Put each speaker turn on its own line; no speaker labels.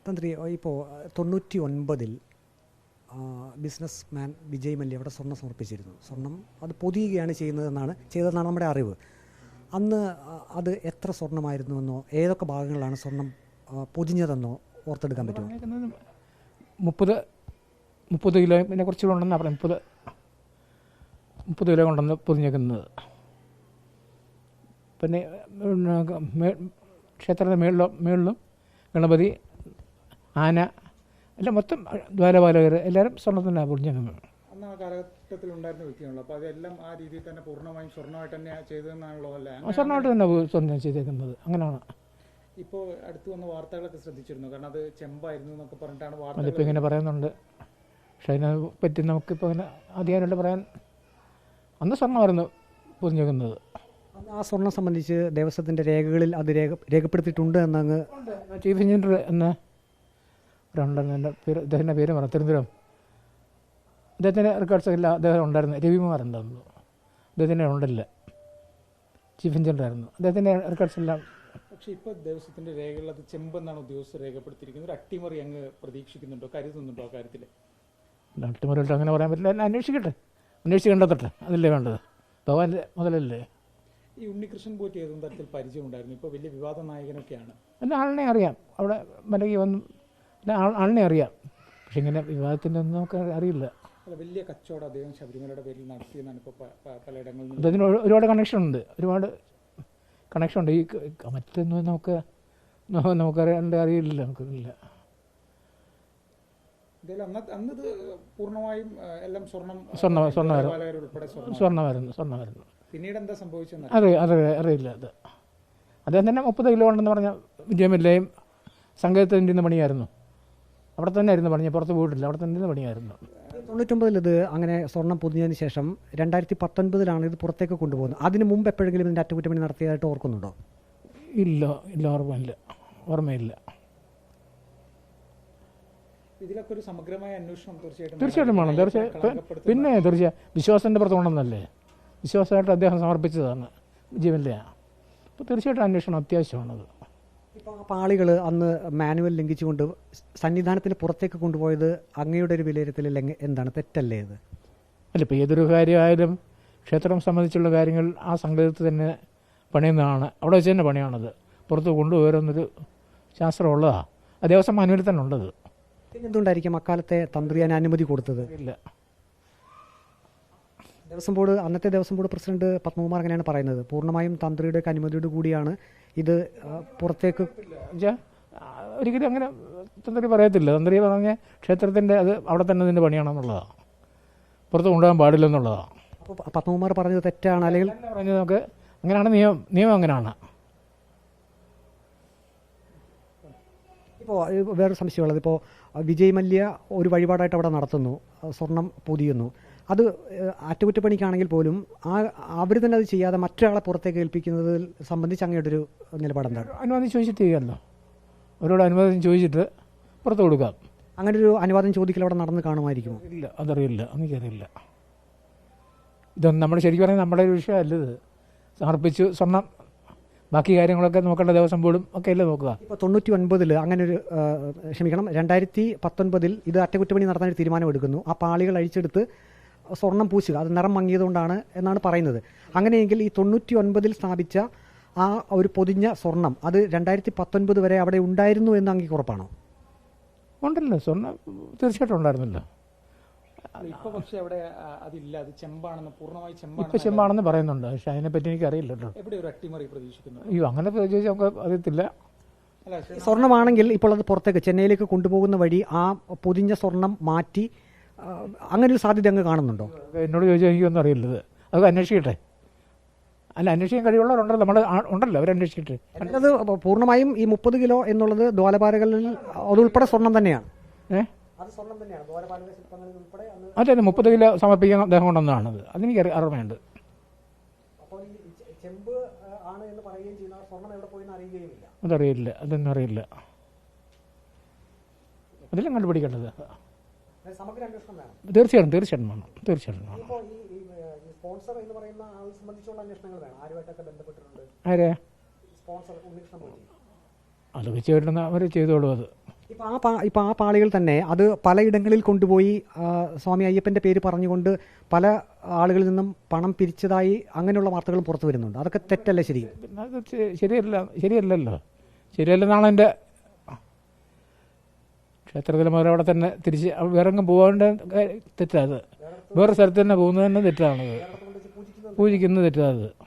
തന്ത്രി ഇപ്പോൾ 99-ൽ ബിസിനസ് മാൻ വിജയ് മല്യ അവിടെ സ്വർണ്ണം സമർപ്പിച്ചിരുന്നു. സ്വർണം അത് പൊതിയുകയാണ് ചെയ്തതെന്നാണ് നമ്മുടെ അറിവ്. അന്ന് അത് എത്ര സ്വർണ്ണമായിരുന്നുവെന്നോ ഏതൊക്കെ ഭാഗങ്ങളാണ് സ്വർണം പൊതിഞ്ഞതെന്നോ ഓർത്തെടുക്കാൻ പറ്റുമോ?
30 കിലോ പിന്നെ കുറച്ചുകൂടെ ഉണ്ടെന്നാണ് പറഞ്ഞത്. 30 കിലോ കൊണ്ടെന്ന് പൊതിഞ്ഞേക്കുന്നത്. പിന്നെ ക്ഷേത്രത്തിൻ്റെ മേളിലും ഗണപതി, ആന എല്ലാം മൊത്തം ദ്വാരപാലകർ എല്ലാവരും സ്വർണ്ണത്തിനാണ് പൊതിഞ്ഞേക്കുന്നത്.
അന്ന് ആ കാലഘട്ടത്തിൽ ഉണ്ടായിരുന്ന വ്യക്തിയാണല്ലോ, അപ്പോൾ അതെല്ലാം ആ രീതിയിൽ തന്നെ പൂർണ്ണമായും സ്വർണ്ണമായിട്ട് തന്നെ ചെയ്തതെന്നാണല്ലോ അല്ലേ?
സ്വർണ്ണമായിട്ട് തന്നെ സ്വർണ്ണം ചെയ്തേക്കുന്നത്. അങ്ങനെയാണ്.
ഇപ്പോൾ അടുത്ത് വന്ന വാർത്തകളൊക്കെ ശ്രദ്ധിച്ചിരുന്നു, കാരണം അത് ചെമ്പായിരുന്നു എന്നൊക്കെ പറഞ്ഞിട്ടാണ് വാർത്ത.
അതിപ്പോൾ ഇങ്ങനെ പറയുന്നുണ്ട്. പക്ഷേ അതിനെ പറ്റി നമുക്കിപ്പോൾ ഇങ്ങനെ അധികാരമായിട്ട് പറയാൻ. അന്ന് സ്വർണ്ണമായിരുന്നു പൊതിഞ്ഞേക്കുന്നത്.
ആ സ്വർണം സംബന്ധിച്ച് ദേവസ്വത്തിൻ്റെ രേഖകളിൽ അത് രേഖപ്പെടുത്തിയിട്ടുണ്ട് എന്നങ്ങ്
ചീഫ് എഞ്ചിനീയർ എന്ന ഒരാളുണ്ടായിരുന്നു. അദ്ദേഹത്തിൻ്റെ പേര് പറഞ്ഞു, തിരുവനന്തപുരം. അദ്ദേഹത്തിൻ്റെ റെക്കോർഡ്സ് എല്ലാം അദ്ദേഹം ഉണ്ടായിരുന്നു. രവികുമാർ ഉണ്ടായിരുന്നു. അദ്ദേഹത്തിൻ്റെ ഉണ്ടല്ല, ചീഫ് എഞ്ചിനീയർ ആയിരുന്നു. അദ്ദേഹത്തിൻ്റെ റെക്കോർഡ്സ് എല്ലാം.
പക്ഷേ ഇപ്പോൾ ദേവസ്വത്തിൻ്റെ രേഖകളിൽ അത് ചെമ്പെന്നാണ് ഉദ്യോഗസ്ഥർ രേഖപ്പെടുത്തിയിരിക്കുന്നത്. ഒരു അട്ടിമറി അങ്ങ് പ്രതീക്ഷിക്കുന്നുണ്ടോ, കരുതുന്നുണ്ടോ ആ കാര്യത്തിൽ?
അട്ടിമറിയിട്ട് അങ്ങനെ പറയാൻ പറ്റില്ല. എല്ലാം അന്വേഷിച്ച് കണ്ടെത്തട്ടെ. അതല്ലേ വേണ്ടത്. ഭഗവാന്റെ മുതലല്ലേ.
ഈ ഉണ്ണികൃഷ്ണൻ പോറ്റി ഏതും തരത്തിൽ പരിചയമുണ്ടായിരുന്നു? ഇപ്പോൾ വലിയ വിവാദ നായകനൊക്കെയാണ്.
എല്ലാ ആളിനെ അറിയാം. അവിടെ മലകി വന്നു എല്ലാ ആളിനെ അറിയാം. പക്ഷെ ഇങ്ങനെ വിവാദത്തിൻ്റെ ഒന്നും നമുക്ക് അറിയില്ല.
അല്ല, വലിയ കച്ചവടം അദ്ദേഹം ശബരിമലയുടെ പേരിൽ നടത്തിയെന്നാണ് ഇപ്പോൾ പലയിടങ്ങളിൽ.
അതിന് ഒരുപാട് കണക്ഷനുണ്ട്. ഈ മറ്റൊന്നും നമുക്കറിയാണ്ട് അറിയില്ല. നമുക്കില്ല.
അന്നത് പൂർണ്ണമായും എല്ലാം
സ്വർണ്ണമായിരുന്നു.
പിന്നീട് എന്താ സംഭവിച്ചെന്ന്
അറിയില്ല. അദ്ദേഹം തന്നെ 30 കിലോ ഉണ്ടെന്ന് പറഞ്ഞ വിജയമല്ലേയും സംഗീതത്തിൻ്റെ പണിയായിരുന്നു. അവിടെ തന്നെ ആയിരുന്നു പണി. പുറത്ത് പോയിട്ടില്ല. അവിടെ തന്നെ പണിയായിരുന്നു.
99-ൽ ഇത് അങ്ങനെ സ്വർണം പൊതിഞ്ഞതിന് ശേഷം 2019-ലാണ് ഇത് പുറത്തേക്ക് കൊണ്ടുപോകുന്നത്. അതിന് മുമ്പ് എപ്പോഴെങ്കിലും ഇതിൻ്റെ അറ്റകുറ്റപ്പണി നടത്തിയതായിട്ട് ഓർക്കുന്നുണ്ടോ?
ഇല്ല, ഓർമ്മയില്ല.
ഇതിലൊക്കെ ഒരു സമഗ്രമായ അന്വേഷണം
തീർച്ചയായിട്ടും വേണം. പിന്നെ വിശ്വാസത്തിൻ്റെ പുറത്തുകൊണ്ടെന്നല്ലേ. വിശ്വാസമായിട്ട് അദ്ദേഹം സമർപ്പിച്ചതാണ് വിജയമല്യ. അപ്പോൾ തീർച്ചയായിട്ടും അന്വേഷണം അത്യാവശ്യമാണത്.
ഇപ്പോൾ ആ പാളികൾ അന്ന് മാനുവൽ ലംഘിച്ചുകൊണ്ട് സന്നിധാനത്തിന് പുറത്തേക്ക് കൊണ്ടുപോയത് അങ്ങയുടെ ഒരു വിലയിരുത്തലിൽ എന്താണ്, തെറ്റല്ലേ ഇത്?
അല്ല, ഇപ്പോൾ ഏതൊരു കാര്യമായാലും ക്ഷേത്രം സംബന്ധിച്ചുള്ള കാര്യങ്ങൾ ആ സംഗീതത്തിൽ തന്നെ പണിയുന്നതാണ്. അവിടെ വെച്ച് തന്നെ പണിയാണത്. പുറത്ത് കൊണ്ടുപോരുന്നൊരു ശാസ്ത്രമുള്ളതാണ്. ആ ദേവസ്വം മാനുവലിൽ തന്നെ ഉള്ളത്.
എന്തുകൊണ്ടായിരിക്കും അക്കാലത്തെ തന്ത്രിയാൻ അനുമതി കൊടുത്തത്?
ഇല്ല,
അന്നത്തെ ദേവസ്വം ബോർഡ് പ്രസിഡന്റ് പത്മകുമാർ അങ്ങനെയാണ് പറയുന്നത്. പൂർണ്ണമായും തന്ത്രിയുടെ അനുമതിയോട് കൂടിയാണ് ഇത് പുറത്തേക്ക്.
ഒരിക്കലും അങ്ങനെ തന്ത്രി പറയത്തില്ല. തന്ത്രി പറഞ്ഞ ക്ഷേത്രത്തിൻ്റെ അത് അവിടെ തന്നെ ഇതിൻ്റെ പണിയാണെന്നുള്ളതാണ്. പുറത്ത് കൊണ്ടുപോകാൻ പാടില്ലെന്നുള്ളതാണ്.
അപ്പോൾ പത്മകുമാർ പറഞ്ഞത് തെറ്റാണ്, അല്ലെങ്കിൽ
പറഞ്ഞത് നമുക്ക് അങ്ങനെയാണ് നിയമം അങ്ങനെയാണ്.
ഇപ്പോൾ വേറൊരു സംശയമുള്ളത്, ഇപ്പോൾ വിജയ് മല്യ ഒരു വഴിപാടായിട്ട് അവിടെ നടത്തുന്നു, സ്വർണം പൊതിയുന്നു. അത് അറ്റകുറ്റപ്പണിക്കാണെങ്കിൽ പോലും അവർ തന്നെ അത് ചെയ്യാതെ മറ്റൊരാളെ പുറത്തേക്ക് ഏൽപ്പിക്കുന്നത് സംബന്ധിച്ച് അങ്ങയുടെ ഒരു നിലപാടെന്താണ്?
അനുവാദം ചോദിച്ചിട്ട് ചെയ്യാമല്ലോ. അവരോട് അനുവാദം ചോദിച്ചിട്ട് പുറത്ത് കൊടുക്കാം.
അങ്ങനെ ഒരു അനുവാദം ചോദിക്കൽ അവിടെ നടന്ന് കാണുമായിരിക്കുമോ?
ഇല്ല, അതറിയില്ല. എനിക്കറിയില്ല. ഇതൊന്നും നമ്മൾ ശരിക്കും പറഞ്ഞാൽ നമ്മുടെ ഒരു വിഷയമല്ല. ഇത് സമർപ്പിച്ചു സ്വർണം, ബാക്കി കാര്യങ്ങളൊക്കെ നോക്കേണ്ട ദേവസ്വം ബോർഡും ഒക്കെ അല്ലേ നോക്കുക.
ഇപ്പോൾ 99-ൽ അങ്ങനെ ഒരു 2019-ൽ ഇത് അറ്റകുറ്റപ്പണി നടത്താൻ ഒരു തീരുമാനമെടുക്കുന്നു. ആ പാളികൾ അഴിച്ചെടുത്ത് സ്വർണം പൂശുക, അത് നിറം മങ്ങിയതുകൊണ്ടാണ് എന്നാണ് പറയുന്നത്. അങ്ങനെയെങ്കിൽ ഈ 99-ൽ സ്ഥാപിച്ച ആ ഒരു പൊതിഞ്ഞ സ്വർണം അത് 2019 വരെ അവിടെ ഉണ്ടായിരുന്നു എന്ന് അങ്ങേക്ക് ഉറപ്പാണോ?
ഉണ്ടല്ലോ, സ്വർണ്ണം തീർച്ചയായിട്ടും ഉണ്ടായിരുന്നല്ലോ.
ഇപ്പോൾ പക്ഷേ അവിടെ അതില്ല, അത് ചെമ്പാണെന്ന്, പൂർണ്ണമായി
ചെമ്പാണെന്ന് പറയുന്നുണ്ട്. പക്ഷെ അതിനെപ്പറ്റി എനിക്ക് അറിയില്ല കേട്ടോ.
എവിടെ ഒരു അട്ടിമറി പ്രതീക്ഷിക്കുന്നു?
അയ്യോ, അങ്ങനെ ചോദിച്ചാൽ നമുക്ക് അറിയത്തില്ല.
സ്വർണ്ണമാണെങ്കിൽ ഇപ്പോൾ അത് പുറത്തേക്ക് ചെന്നൈയിലേക്ക് കൊണ്ടുപോകുന്ന വഴി ആ പൊതിഞ്ഞ സ്വർണം മാറ്റി അങ്ങനെ ഒരു സാധ്യത അങ്ങ് കാണുന്നുണ്ടോ?
എന്നോട് ചോദിച്ചാൽ എനിക്കൊന്നും അറിയില്ലത്. അത് അന്വേഷിക്കട്ടെ. അല്ല, അന്വേഷിക്കാൻ കഴിവുള്ളവരുണ്ടല്ലോ, നമ്മുടെ ഉണ്ടല്ലോ, അവരന്വേഷിക്കട്ടെ.
അത് പൂർണ്ണമായും ഈ 30 കിലോ എന്നുള്ളത് ദ്വാരപാലകളിൽ അതുൾപ്പെടെ സ്വർണം തന്നെയാണ്.
അതെ, 30 കിലോ സമർപ്പിക്കാൻ അദ്ദേഹം കൊണ്ടുവന്നതാണത്. അതെനിക്ക് അറിവുണ്ട്. അതറിയില്ല, അതൊന്നും അറിയില്ല. അതെല്ലാം കണ്ടുപിടിക്കേണ്ടത് തീർച്ചയായിട്ടും വേണം. ആരെ അത് വെച്ച് കിട്ടുന്ന അവർ ചെയ്തോളൂ. അത്
ഇപ്പോൾ ആ പാളികൾ തന്നെ അത് പലയിടങ്ങളിൽ കൊണ്ടുപോയി സ്വാമി അയ്യപ്പൻ്റെ പേര് പറഞ്ഞുകൊണ്ട് പല ആളുകളിൽ നിന്നും പണം പിരിച്ചതായി അങ്ങനെയുള്ള വാർത്തകളും പുറത്തു വരുന്നുണ്ട്. അതൊക്കെ തെറ്റല്ലേ? ശരി,
പിന്നെ അത് ശരിയല്ലല്ലോ. ശരിയല്ലെന്നാണ് എൻ്റെ ക്ഷേത്രത്തിൽ അവരവിടെ തന്നെ തിരിച്ച് വേറെങ്ങും പോകാണ്ട് തെറ്റാത്. വേറെ സ്ഥലത്ത് തന്നെ പോകുന്നത് തന്നെ തെറ്റാണത്. പൂജിക്കുന്നത് തെറ്റാത്.